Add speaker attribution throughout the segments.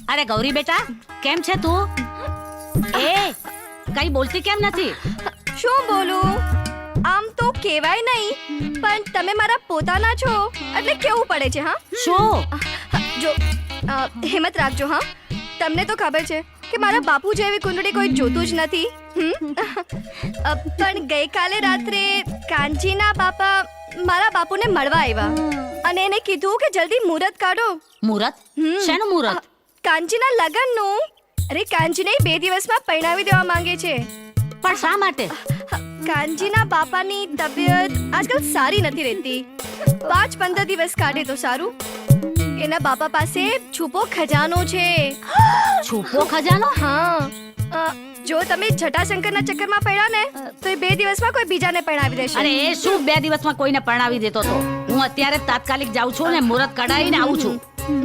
Speaker 1: અરે ગૌરી બેટા, કેમ છે તું? એ કઈ બોલતી કેમ નથી?
Speaker 2: શું બોલું? આમ તો કહેવાય નહીં, પણ તમે મારા પોતાના છો એટલે કેવું પડે છે. હા
Speaker 1: શું?
Speaker 2: જો હિંમત રાખજો. હા, તમને તો ખબર છે કે મારા બાપુ જેવી કુંડળી કોઈ જોતું જ નથી. પણ ગઈકાલે રાત્રે કાંચીના બાપા મારા બાપુને મળવા આવ્યા અને એને કીધું કે જલ્દી મુહૂર્ત કાઢો.
Speaker 1: મુહૂર્ત? શેનું મુહૂર્ત?
Speaker 2: કાંચીના લગ્નનું. અરે કાંચીને 2 દિવસમાં પરણાવી દેવા માંગે છે.
Speaker 1: પણ શા માટે?
Speaker 2: કાંજીના બાપાની તબિયત આજકાલ સારી નથી રહેતી. 5-15 દિવસ કાઢે તો સારું. એના બાપા પાસે છુપો ખજાનો છે.
Speaker 1: છુપો ખજાનો?
Speaker 2: હા, જો તમે જટાશંકરના ચક્કરમાં પડ્યા ને તો એ 2 દિવસમાં કોઈ બીજાને પરણાવી દેશે.
Speaker 1: અરે એ શું 2 દિવસમાં કોઈને પરણાવી દેતો તો? હું અત્યારે તાત્કાલિક જાઉં છું ને મુહૂર્ત કઢાવીને આવું છું.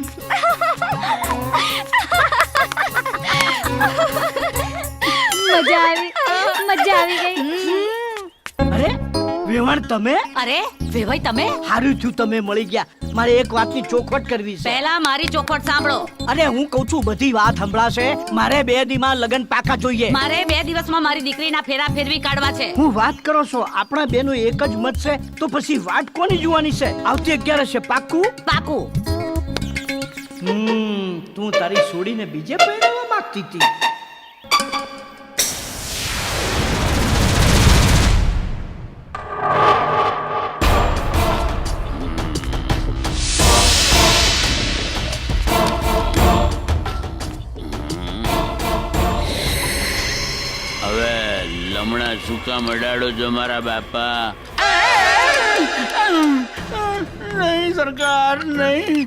Speaker 3: મજા આવી ગઈ.
Speaker 4: અરે વેવાણ તમે?
Speaker 1: અરે વેવાઈ તમે?
Speaker 4: હારું થયું તમે મળી ગયા. મારે એક વાતની ચોખવટ કરવી છે.
Speaker 1: પહેલા મારી ચોખવટ સાંભળો.
Speaker 4: અરે હું કહું છું બધી વાત સંભળાશે. મારે 2 દીમાં લગન પાકા જોઈએ.
Speaker 1: મારે 2 દિવસમાં મારી દીકરીના ફેરા ફેરવી કાઢવા છે.
Speaker 4: હું વાત કરો છો? આપણા બેનો એક જ મત છે તો પછી વાત કોની જોવાની છે? આવતી 11 છે પાકું?
Speaker 1: પાકું.
Speaker 4: તું તારી છોડીને બીજે પહેરાવા માંગતી હતી.
Speaker 5: હવે લમણા સુકા મડાડો જો મારા બાપા. નહીં સરકાર, નહીં.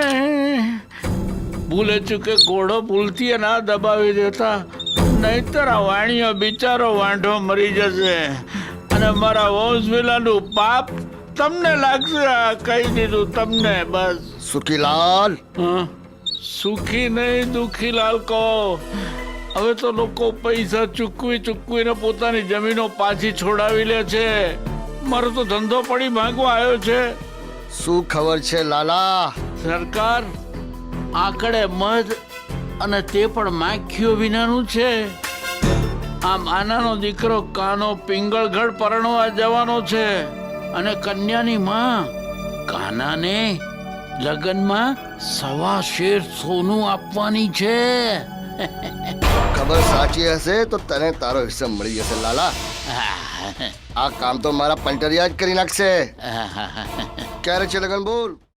Speaker 5: ભૂલે ચૂકે ઘોડો ભૂલથી ના દબાવી દેતા, નહીતર આ વાણિયો બિચારો વાંઢો મરી જશે અને મારા વંશવેલાનું પાપ તમને લાગશે. આ કહી દીધું તમને બસ.
Speaker 6: સુખીલાલ,
Speaker 5: સુખી નહીં દુખીલાલ કહો. હવે તો લોકો પૈસા ચૂકવીને પોતાની જમીનો પાછી છોડાવી લે છે. મારો તો ધંધો પડી માંગવા આવ્યો છે.
Speaker 6: શું ખબર છે લાલા?
Speaker 5: સરકાર, આંકડે મધ અને તે પણ માખીઓ વિનાનું છે. આમ આનાનો દીકરો કાનો પિંગળગઢ પરણવા જવાનો છે અને કન્યાની માં કાનાને લગ્નમાં 1.25 શેર સોનું આપવાની છે.
Speaker 6: ખબર સાચી હશે તો તને તારો હિસ્સો મળી જશે લાલા. આ કામ તો મારા પંટરિયા જ કરી નાખશે. ક્યારે છે લગન બોલ?